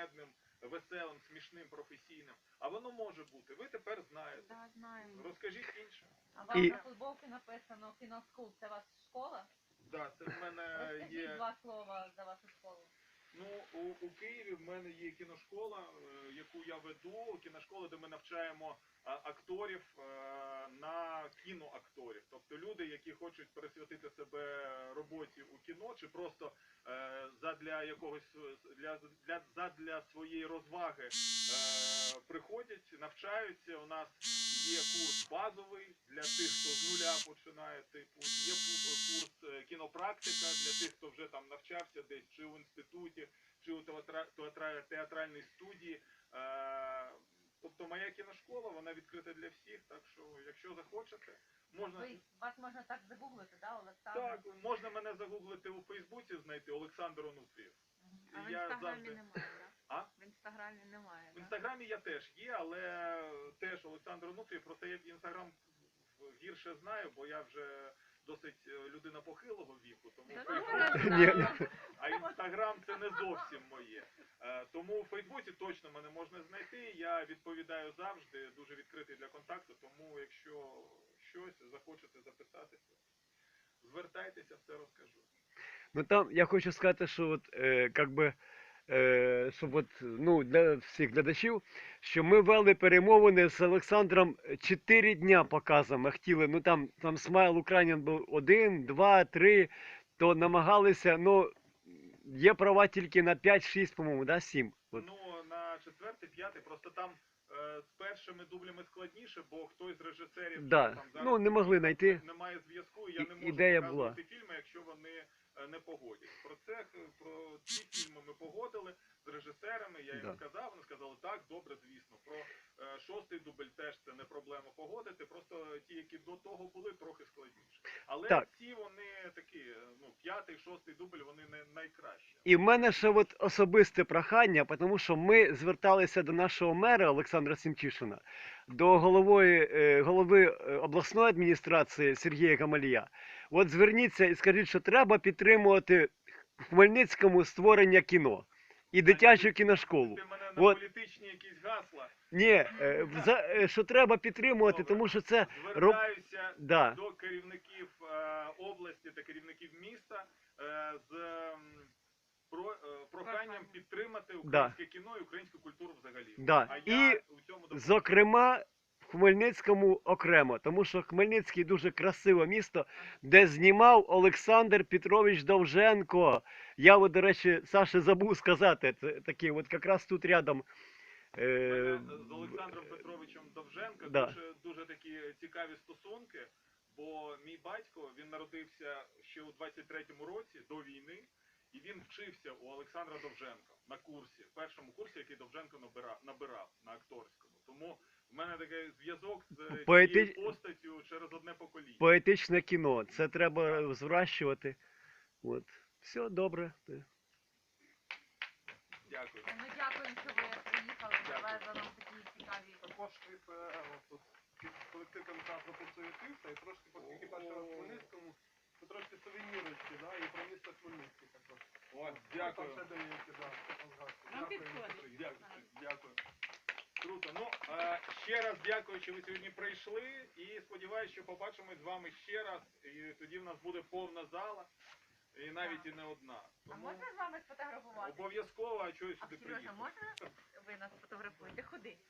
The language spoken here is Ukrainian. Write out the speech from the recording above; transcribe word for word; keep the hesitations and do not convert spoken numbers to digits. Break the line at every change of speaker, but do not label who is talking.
кумедним, веселим, смішним, професійним. А воно може бути. Ви тепер знаєте.
Да, знаємо.
Розкажіть іншим.
А вам
І-
на футболці написано «Кіноскул». Це ваша школа?
Да, це в мене
Розкажіть
є.
два слова за вашу школу.
Ну, у, у Києві в мене є кіношкола, е, яку я веду, кіношкола, де ми навчаємо а, акторів е, на кіноакторів. Тобто люди, які хочуть присвятити себе роботі у кіно, чи просто е, задля якогось для, для, задля своєї розваги е, приходять, навчаються. У нас є курс базовий для тих, хто з нуля починає, типу, є курс е, кінопрактика для тих, хто вже там навчався десь чи в інституті, чи у театра, театра, театральній студії. Е, тобто моя кіношкола, вона відкрита для всіх, так що, якщо захочете, можна...
Ви, вас можна так загуглити, да, Олександр?
Так, можна мене загуглити у Фейсбуці, знайти Олександр Онуфрієв.
А в
Я
інстаграмі
завжди-
немає, так?
А?
В інстаграмі немає,
В
да?
інстаграмі я теж є, але теж Олександр Онуфрієв, просто я інстаграм гірше знаю, бо я вже досить е, людина похилого віку, тому
Та
Фейсбук-
ну, я
Ні.
знаю.
а інстаграм це не зовсім моє. Е, Тому у Фейсбуці точно мене можна знайти. Я відповідаю завжди, дуже відкритий для контакту, тому якщо щось захочете записатися, звертайтеся, все розкажу.
Ну там я хочу сказати, що от, е, как би, е, щоб от, ну, для всіх глядачів, що ми вели перемовини з Олександром чотири дня показом. Ми хотіли, ну там, там Смайл Українін був один, два, три, то намагалися, ну, є права тільки на п'ять-шість, по-моєму, да, сім. От.
Ну, на четвертий, п'ятий, просто там е, з першими дублями складніше, бо хтось з режисерів
Да.
там зараз
Ну, не могли знайти.
немає зв'язку, і я
І-
не можу
ідея
показувати фільми, якщо вони е, не погодять. Про це, е, про ці фільми ми погодили з режисерами, я їм
Да.
сказав, вони сказали, так, добре, звісно. Про е, шостий дубль теж це не проблема погодити, просто ті, які до того були, трохи складніше. Але
Так.
ці вони такі, е, ну, п'ятий, шостий дубль, вони не найкращі.
І в мене ще от особисте прохання, тому що ми зверталися до нашого мера Олександра Сімчишина, до голови, е, голови е, обласної адміністрації Сергія Камалія. От зверніться і скажіть, що треба підтримувати в Хмельницькому створення кіно і дитячу кіношколу.
Ти мене на
От.
політичні якісь гасла.
Ні, е, за- е, що треба підтримувати,
Добре.
тому що це
Звертаюся
да.
до керівників е, області та керівників міста е, з ем, про, е, проханням
Прохання.
підтримати українське кіно і українську культуру взагалі.
Да.
А
І,
я у цьому допомагаю.
зокрема, в Хмельницькому окремо, тому що Хмельницький дуже красиве місто, де знімав Олександр Петрович Довженко. Я, от, до речі, Саше забув сказати, це такий, от якраз тут рядом.
У
Е,
мене з Олександром Петровичем Довженко
Да.
дуже, дуже такі цікаві стосунки, бо мій батько, він народився ще у двадцять третьому році, до війни, і він вчився у Олександра Довженка на курсі, першому курсі, який Довженко набирав, набирав на акторському. Тому в мене такий зв'язок з
Поети-
цією постаттю через одне покоління.
поетичне кіно. Це треба зрощувати. От. Все добре.
Дякую.
Ми дякуємо, що ви приїхали, привезли нам такі цікаві.
Також від е, от тут колектив кінотеатру підсуетився і трошки, оскільки перший раз в Хмельницькому, то трошки сувенірочки, да, і про місто Хмельницький також.
О,
Там
дякую.
ще деякі, да, там згадки.
Вам
Дякую,
підходить.
що приїхали.
Дякую. Дякую. Круто. Ну, е, ще раз дякую, що ви сьогодні прийшли. І сподіваюся, що побачимось з вами ще раз. І тоді в нас буде повна зала. І навіть і не одна.
А
Тому
можна з вами сфотографувати?
обов'язково, а чогось
А
сюди
Сережа,
приїхати.
можна ви нас сфотографуєте? Ходи.